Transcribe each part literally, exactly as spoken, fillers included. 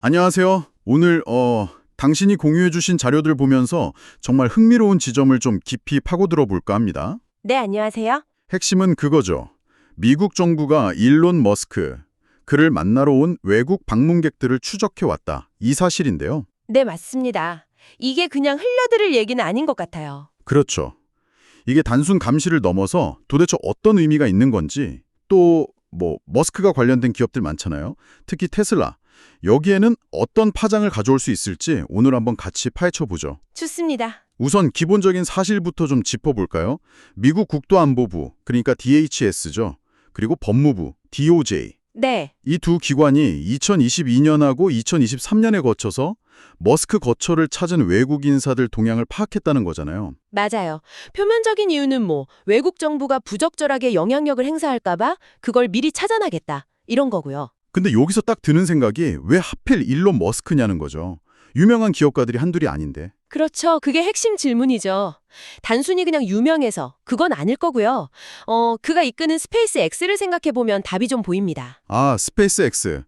안녕하세요. 오늘 어 당신이 공유해 주신 자료들 보면서 정말 흥미로운 지점을 좀 깊이 파고들어 볼까 합니다. 네, 안녕하세요. 핵심은 그거죠. 미국 정부가 일론 머스크, 그를 만나러 온 외국 방문객들을 추적해 왔다. 이 사실인데요. 네, 맞습니다. 이게 그냥 흘려들을 얘기는 아닌 것 같아요. 그렇죠. 이게 단순 감시를 넘어서 도대체 어떤 의미가 있는 건지, 또 뭐 머스크가 관련된 기업들 많잖아요. 특히 테슬라. 여기에는 어떤 파장을 가져올 수 있을지 오늘 한번 같이 파헤쳐 보죠. 좋습니다. 우선 기본적인 사실부터 좀 짚어볼까요? 미국 국토안보부, 그러니까 디에이치에스죠. 그리고 법무부, 디오제이. 네, 이 두 기관이 이천이십이 년하고 이천이십삼 년에 거쳐서 머스크 거처를 찾은 외국 인사들 동향을 파악했다는 거잖아요. 맞아요. 표면적인 이유는 뭐 외국 정부가 부적절하게 영향력을 행사할까 봐 그걸 미리 찾아나겠다. 이런 거고요. 근데 여기서 딱 드는 생각이 왜 하필 일론 머스크냐는 거죠. 유명한 기업가들이 한둘이 아닌데. 그렇죠. 그게 핵심 질문이죠. 단순히 그냥 유명해서 그건 아닐 거고요. 어, 그가 이끄는 스페이스 X를 생각해보면 답이 좀 보입니다. 아, 스페이스X.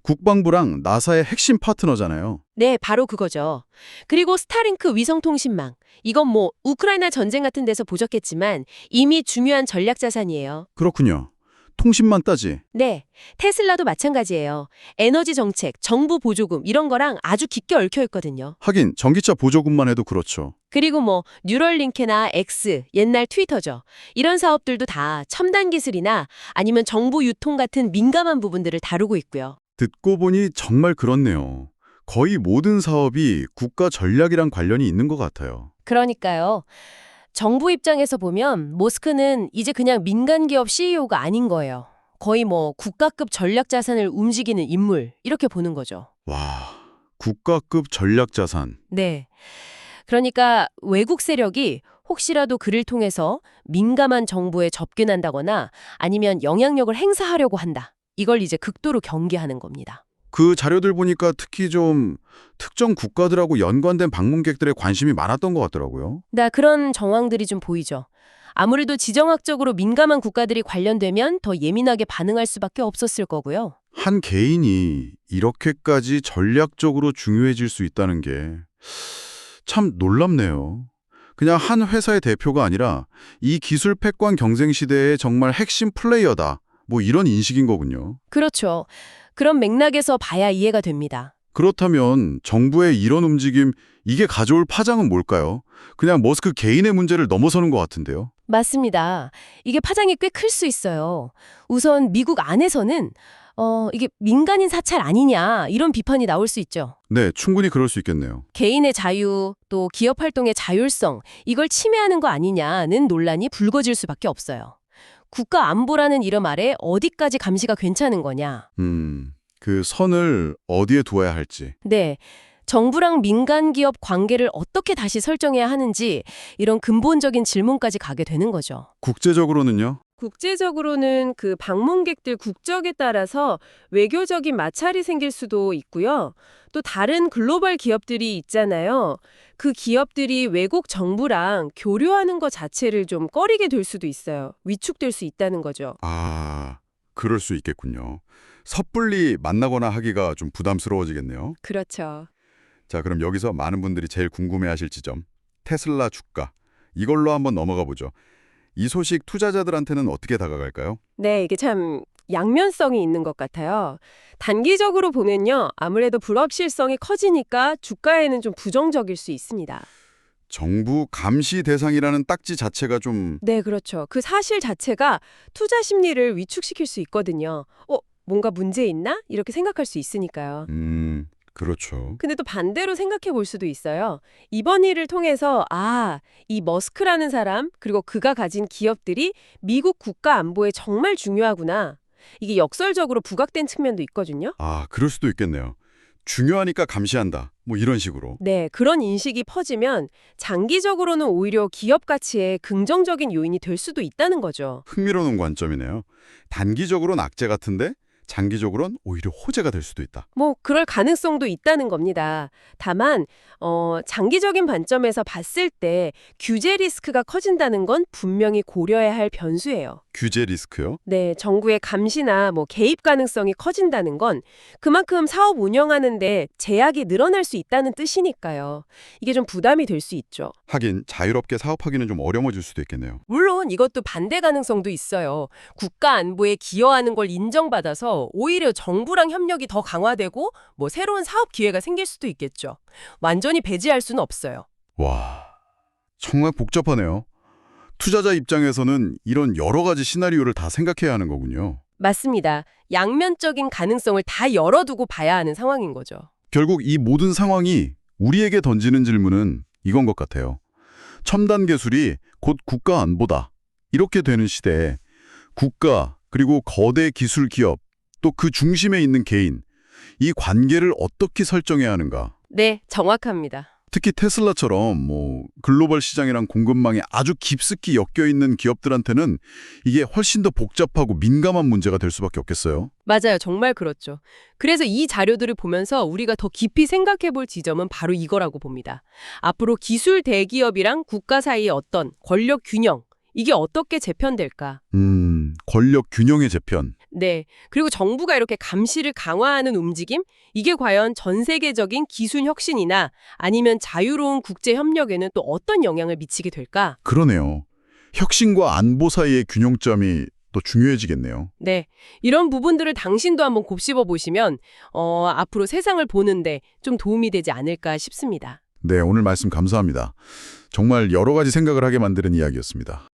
국방부랑 나사의 핵심 파트너잖아요. 네, 바로 그거죠. 그리고 스타링크 위성통신망. 이건 뭐 우크라이나 전쟁 같은 데서 보셨겠지만 이미 중요한 전략 자산이에요. 그렇군요. 통신만 따지. 네, 테슬라도 마찬가지예요. 에너지 정책, 정부 보조금 이런 거랑 아주 깊게 얽혀 있거든요. 하긴 전기차 보조금만 해도 그렇죠. 그리고 뭐 뉴럴링크나 X, 옛날 트위터죠. 이런 사업들도 다 첨단 기술이나 아니면 정보 유통 같은 민감한 부분들을 다루고 있고요. 듣고 보니 정말 그렇네요. 거의 모든 사업이 국가 전략이랑 관련이 있는 것 같아요. 그러니까요. 정부 입장에서 보면 모스크는 이제 그냥 민간 기업 씨이오가 아닌 거예요. 거의 뭐 국가급 전략 자산을 움직이는 인물 이렇게 보는 거죠. 와, 국가급 전략 자산. 네. 그러니까 외국 세력이 혹시라도 그를 통해서 민감한 정보에 접근한다거나 아니면 영향력을 행사하려고 한다. 이걸 이제 극도로 경계하는 겁니다. 그 자료들 보니까 특히 좀 특정 국가들하고 연관된 방문객들의 관심이 많았던 것 같더라고요. 나 그런 정황들이 좀 보이죠. 아무래도 지정학적으로 민감한 국가들이 관련되면 더 예민하게 반응할 수밖에 없었을 거고요. 한 개인이 이렇게까지 전략적으로 중요해질 수 있다는 게 참 놀랍네요. 그냥 한 회사의 대표가 아니라 이 기술 패권 경쟁 시대의 정말 핵심 플레이어다. 뭐 이런 인식인 거군요. 그렇죠. 그런 맥락에서 봐야 이해가 됩니다. 그렇다면 정부의 이런 움직임, 이게 가져올 파장은 뭘까요? 그냥 머스크 개인의 문제를 넘어서는 것 같은데요. 맞습니다. 이게 파장이 꽤 클 수 있어요. 우선 미국 안에서는 어, 이게 민간인 사찰 아니냐 이런 비판이 나올 수 있죠. 네, 충분히 그럴 수 있겠네요. 개인의 자유, 또 기업 활동의 자율성, 이걸 침해하는 거 아니냐는 논란이 불거질 수밖에 없어요. 국가 안보라는 이름 아래 어디까지 감시가 괜찮은 거냐. 음, 그 선을 어디에 두어야 할지. 네. 정부랑 민간 기업 관계를 어떻게 다시 설정해야 하는지 이런 근본적인 질문까지 가게 되는 거죠. 국제적으로는요? 국제적으로는 그 방문객들 국적에 따라서 외교적인 마찰이 생길 수도 있고요. 또 다른 글로벌 기업들이 있잖아요. 그 기업들이 외국 정부랑 교류하는 것 자체를 좀 꺼리게 될 수도 있어요. 위축될 수 있다는 거죠. 아, 그럴 수 있겠군요. 섣불리 만나거나 하기가 좀 부담스러워지겠네요. 그렇죠. 자, 그럼 여기서 많은 분들이 제일 궁금해하실 지점, 테슬라 주가. 이걸로 한번 넘어가 보죠. 이 소식 투자자들한테는 어떻게 다가갈까요? 네, 이게 참 양면성이 있는 것 같아요. 단기적으로 보면요. 아무래도 불확실성이 커지니까 주가에는 좀 부정적일 수 있습니다. 정부 감시 대상이라는 딱지 자체가 좀... 네, 그렇죠. 그 사실 자체가 투자 심리를 위축시킬 수 있거든요. 어, 뭔가 문제 있나? 이렇게 생각할 수 있으니까요. 음, 그렇죠. 근데 또 반대로 생각해 볼 수도 있어요. 이번 일을 통해서 아, 이 머스크라는 사람 그리고 그가 가진 기업들이 미국 국가 안보에 정말 중요하구나. 이게 역설적으로 부각된 측면도 있거든요. 아, 그럴 수도 있겠네요. 중요하니까 감시한다. 뭐 이런 식으로. 네, 그런 인식이 퍼지면 장기적으로는 오히려 기업 가치에 긍정적인 요인이 될 수도 있다는 거죠. 흥미로운 관점이네요. 단기적으로는 악재 같은데 장기적으로는 오히려 호재가 될 수도 있다. 뭐 그럴 가능성도 있다는 겁니다. 다만 어, 장기적인 관점에서 봤을 때 규제 리스크가 커진다는 건 분명히 고려해야 할 변수예요. 규제 리스크요? 네, 정부의 감시나 뭐 개입 가능성이 커진다는 건 그만큼 사업 운영하는데 제약이 늘어날 수 있다는 뜻이니까요. 이게 좀 부담이 될 수 있죠. 하긴 자유롭게 사업하기는 좀 어려워질 수도 있겠네요. 물론 이것도 반대 가능성도 있어요. 국가 안보에 기여하는 걸 인정받아서 오히려 정부랑 협력이 더 강화되고 뭐 새로운 사업 기회가 생길 수도 있겠죠. 완전히 배제할 수는 없어요. 와, 정말 복잡하네요. 투자자 입장에서는 이런 여러 가지 시나리오를 다 생각해야 하는 거군요. 맞습니다. 양면적인 가능성을 다 열어두고 봐야 하는 상황인 거죠. 결국 이 모든 상황이 우리에게 던지는 질문은 이건 것 같아요. 첨단 기술이 곧 국가 안보다. 이렇게 되는 시대에 국가 그리고 거대 기술 기업 또 그 중심에 있는 개인 이 관계를 어떻게 설정해야 하는가. 네, 정확합니다. 특히 테슬라처럼 뭐 글로벌 시장이랑 공급망에 아주 깊숙이 엮여 있는 기업들한테는 이게 훨씬 더 복잡하고 민감한 문제가 될 수밖에 없겠어요. 맞아요. 정말 그렇죠. 그래서 이 자료들을 보면서 우리가 더 깊이 생각해 볼 지점은 바로 이거라고 봅니다. 앞으로 기술 대기업이랑 국가 사이의 어떤 권력 균형, 이게 어떻게 재편될까? 음, 권력 균형의 재편. 네. 그리고 정부가 이렇게 감시를 강화하는 움직임? 이게 과연 전 세계적인 기술 혁신이나 아니면 자유로운 국제 협력에는 또 어떤 영향을 미치게 될까? 그러네요. 혁신과 안보 사이의 균형점이 또 중요해지겠네요. 네. 이런 부분들을 당신도 한번 곱씹어 보시면 어, 앞으로 세상을 보는데 좀 도움이 되지 않을까 싶습니다. 네, 오늘 말씀 감사합니다. 정말 여러 가지 생각을 하게 만드는 이야기였습니다.